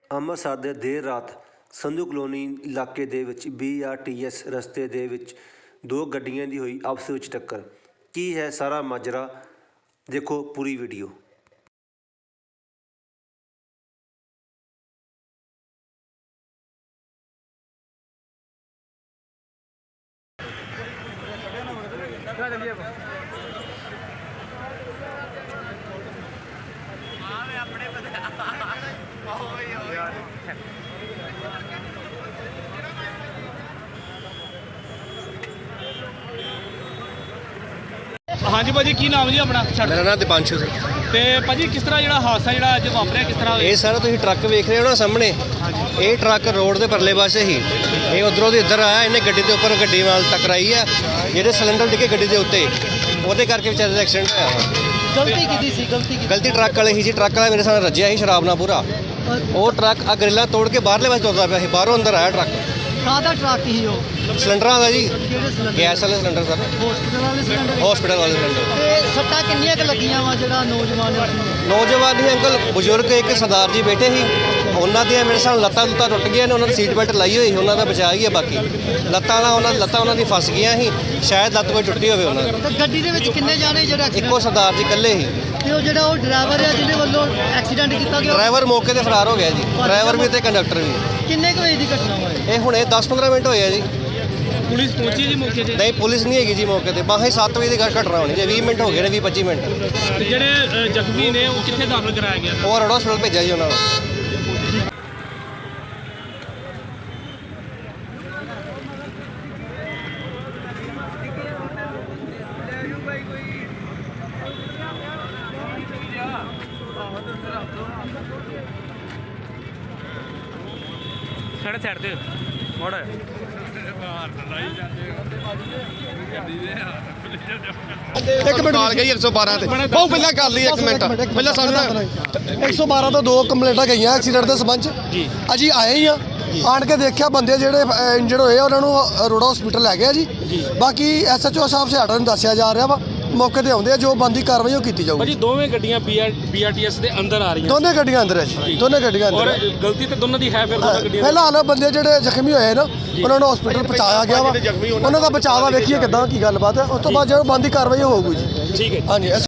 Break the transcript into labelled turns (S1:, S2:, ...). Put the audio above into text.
S1: ਅੰਮ੍ਰਿਤਸਰ ਦੇ ਦੇਰ ਰਾਤ ਸੰਧੂ ਕਲੋਨੀ ਇਲਾਕੇ ਦੇ ਵਿੱਚ BRTS ਰਸਤੇ ਦੇ ਵਿੱਚ ਦੋ ਗੱਡੀਆਂ ਦੀ ਹੋਈ ਆਪਸ ਵਿੱਚ ਟੱਕਰ। ਕੀ ਹੈ ਸਾਰਾ ਮਾਜਰਾ, ਦੇਖੋ ਪੂਰੀ ਵੀਡੀਓ।
S2: हाँ जी भाजी, की नाम जी अपना?
S3: मेरा नाम दीपांशु सिंह।
S2: ਤੇ ਭਾਜੀ ਕਿਸ ਤਰ੍ਹਾਂ ਜਿਹੜਾ ਹਾਦਸਾ ਜਿਹੜਾ ਅੱਜ ਵਾਪਰਿਆ ਕਿਸ ਤਰ੍ਹਾਂ
S3: ਇਹ ਸਾਰਾ ਤੁਸੀਂ ਟਰੱਕ ਵੇਖ ਰਹੇ ਹੋ ਨਾ ਸਾਹਮਣੇ, ਇਹ ਟਰੱਕ ਰੋਡ ਦੇ ਪਰਲੇ ਪਾਸੇ ਹੀ, ਇਹ ਉਧਰੋਂ ਦੀ ਇੱਧਰ ਆਇਆ, ਇਹਨੇ ਗੱਡੀ ਦੇ ਉੱਪਰ ਗੱਡੀ ਨਾਲ ਟਕਰਾਈ ਆ, ਜਿਹੜੇ ਸਿਲੰਡਰ ਡਿੱਗੇ ਗੱਡੀ ਦੇ ਉੱਤੇ, ਉਹਦੇ ਕਰਕੇ ਵਿਚਾਰੇ ਦਾ ਐਕਸੀਡੈਂਟ ਹੋਇਆ।
S4: ਗਲਤੀ ਕੀਤੀ ਸੀ?
S3: ਗਲਤੀ ਟਰੱਕ ਵਾਲੇ ਹੀ ਜੀ, ਟਰੱਕ ਵਾਲਾ ਮੇਰੇ ਸਾਹਮਣੇ ਰੱਜਿਆ ਸੀ ਸ਼ਰਾਬ ਨਾਲ ਪੂਰਾ। ਉਹ ਟਰੱਕ ਆ ਗਰਿੱਲਾਂ ਤੋੜ ਕੇ ਬਾਹਰਲੇ ਪਾਸੇ ਤੁਰਦਾ ਪਿਆ ਸੀ, ਬਾਹਰੋਂ ਅੰਦਰ ਆਇਆ ਟਰੱਕ।
S4: ਕਾਹਦਾ ਟਰੱਕ ਸੀ ਉਹ?
S3: ਸਿਲੰਡਰਾਂ ਦਾ ਜੀ,
S4: ਕਿਹੜੇ ਸਿਲੰਡਰ?
S3: ਗੈਸ ਵਾਲੇ ਸਿਲੰਡਰ ਸਰ,
S4: ਹਸਪੀਟਲ ਵਾਲੇ ਸਿਲੰਡਰ?
S3: ਹਸਪੀਟਲ ਵਾਲੇ ਸਿਲੰਡਰ।
S4: ਤੇ ਸੱਟਾਂ ਕਿੰਨੀਆਂ ਕੁ ਲੱਗੀਆਂ ਵਾ ਜਿਹੜਾ ਨੌਜਵਾਨ
S3: ਨੌਜਵਾਨ ਹੀ ਅੰਕਲ, ਬਜ਼ੁਰਗ ਇੱਕ ਸਰਦਾਰ ਜੀ ਬੈਠੇ ਸੀ, ਉਹਨਾਂ ਦੀਆਂ ਮੇਰੇ ਸਾਹਮਣੇ ਲੱਤਾਂ ਟੁੱਟ ਗਈਆਂ ਨੇ, ਉਹਨਾਂ ਦੀ ਸੀਟ ਬੈਲਟ ਲਾਈ ਹੋਈ ਸੀ, ਉਹਨਾਂ ਦਾ ਬਚਾ ਹੀ ਹੈ। ਬਾਕੀ ਲੱਤਾਂ ਉਹਨਾਂ ਦੀ ਫਸ ਗਈਆਂ ਸੀ, ਸ਼ਾਇਦ ਲੱਤ ਕੋਈ ਟੁੱਟੀ ਹੋਵੇ ਉਹਨਾਂ ਦੀ।
S4: ਤੇ ਗੱਡੀ ਦੇ ਵਿੱਚ ਕਿੰਨੇ ਜਾਣੇ ਜਿਹੜਾ
S3: ਇੱਕੋ ਸਰਦਾਰ ਜੀ ਇਕੱਲੇ ਸੀ।
S4: ਤੇ ਉਹ ਜਿਹੜਾ ਉਹ ਡਰਾਈਵਰ ਆ ਜਿਹਦੇ ਵੱਲੋਂ ਐਕਸੀਡੈਂਟ ਕੀਤਾ ਗਿਆ,
S3: ਡਰਾਈਵਰ ਮੌਕੇ ਤੇ ਫਰਾਰ ਹੋ ਗਿਆ ਜੀ, ਡਰਾਈਵਰ ਵੀ ਤੇ ਕੰਡਕਟਰ ਵੀ।
S4: ਕਿੰਨੇ ਕੁ ਵਜੇ ਦੀ ਘਟਨਾ ਵਾ ਇਹ?
S3: ਇਹ ਹੁਣੇ 10-15 ਮਿੰਟ ਹੋਏ ਆ ਜੀ।
S2: ਪੁਲਿਸ ਪਹੁੰਚੀ ਜੀ ਮੌਕੇ ਤੇ?
S3: ਨਹੀਂ, ਪੁਲਿਸ ਨਹੀਂ ਹੈਗੀ ਜੀ ਮੌਕੇ ਤੇ, ਬਾਹਰ 7 ਵਜੇ ਦੀ ਘਟਨਾ ਹੋਣੀ ਜੀ, 20 ਮਿੰਟ ਹੋ ਗਏ ਨੇ, 20-25 ਮਿੰਟ।
S2: ਤੇ ਜਿਹੜੇ ਜ਼ਖਮੀ ਨੇ ਉਹ ਕਿੱਥੇ ਦਾਖਲ ਕਰਾਇਆ ਗਿਆ?
S3: ਉਹ ਰੋਡ ਹਸਪਤਾਲ ਭੇਜਿਆ ਜੀ ਉਹਨਾਂ ਨੂੰ।
S2: ਸਾਈਡ ਤੇ ਮੋੜ
S5: ਇੱਕ ਮਿੰਟ ਕਾਲ ਗਈ 112 ਤੇ ਬਹੁਤ ਪਹਿਲਾਂ ਕਰ ਲਈ, 1 ਮਿੰਟ ਪਹਿਲਾਂ ਸਾਨੂੰ 112 ਤੋਂ 2 ਕੰਪਲੇਂਟਾਂ ਗਈਆਂ ਐਕਸੀਡੈਂਟ ਦੇ ਸੰਬੰਧ ਚ। ਅਸੀਂ ਆਏ ਹੀ ਆ, ਆਣ ਕੇ ਦੇਖਿਆ ਬੰਦੇ ਜਿਹੜੇ ਇੰਜਰਡ ਹੋਏ ਆ ਉਹਨਾਂ ਨੂੰ ਰੋਡ ਹਸਪੀਟਲ ਲੈ ਗਏ ਜੀ। ਬਾਕੀ SHO ਸਾਹਿਬ ਸਿਆੜਾ ਨੂੰ ਦੱਸਿਆ ਜਾ ਰਿਹਾ ਵਾ, ਮੌਕੇ ਤੇ ਆਉਂਦੇ ਆ, ਜੋ ਬੰਦੀ ਕਾਰਵਾਈ ਉਹ ਕੀਤੀ ਜਾਊਗੀ।
S2: ਭਾਜੀ ਦੋਵੇਂ ਗੱਡੀਆਂ BRTS ਦੇ ਅੰਦਰ ਆ ਰਹੀਆਂ?
S5: ਦੋਨੇ ਗੱਡੀਆਂ ਅੰਦਰ ਹੈ ਜੀ, ਦੋਨੇ ਗੱਡੀਆਂ ਅੰਦਰ।
S2: ਔਰ ਗਲਤੀ ਤੇ ਦੋਨਾਂ ਦੀ ਹੈ? ਫਿਰ ਦੋਨਾਂ ਗੱਡੀਆਂ
S5: ਫਿਲਹਾਲ ਬੰਦੇ ਜਿਹੜੇ ਜ਼ਖਮੀ ਹੋਏ ਨਾ ਉਹਨਾਂ ਨੂੰ ਹਸਪੀਟਲ ਪਹੁੰਚਾਇਆ ਗਿਆ ਵਾ, ਉਹਨਾਂ ਦਾ ਬਚਾਅ ਵਾ, ਵੇਖੀਏ ਕਿੱਦਾਂ ਕੀ ਗੱਲਬਾਤ ਹੈ, ਉਸ ਤੋਂ ਬਾਅਦ ਜਦੋਂ ਬੰਦੀ ਕਾਰਵਾਈ ਹੋਊਗੀ ਜੀ।
S2: ਠੀਕ ਹੈ।
S5: ਹਾਂਜੀ।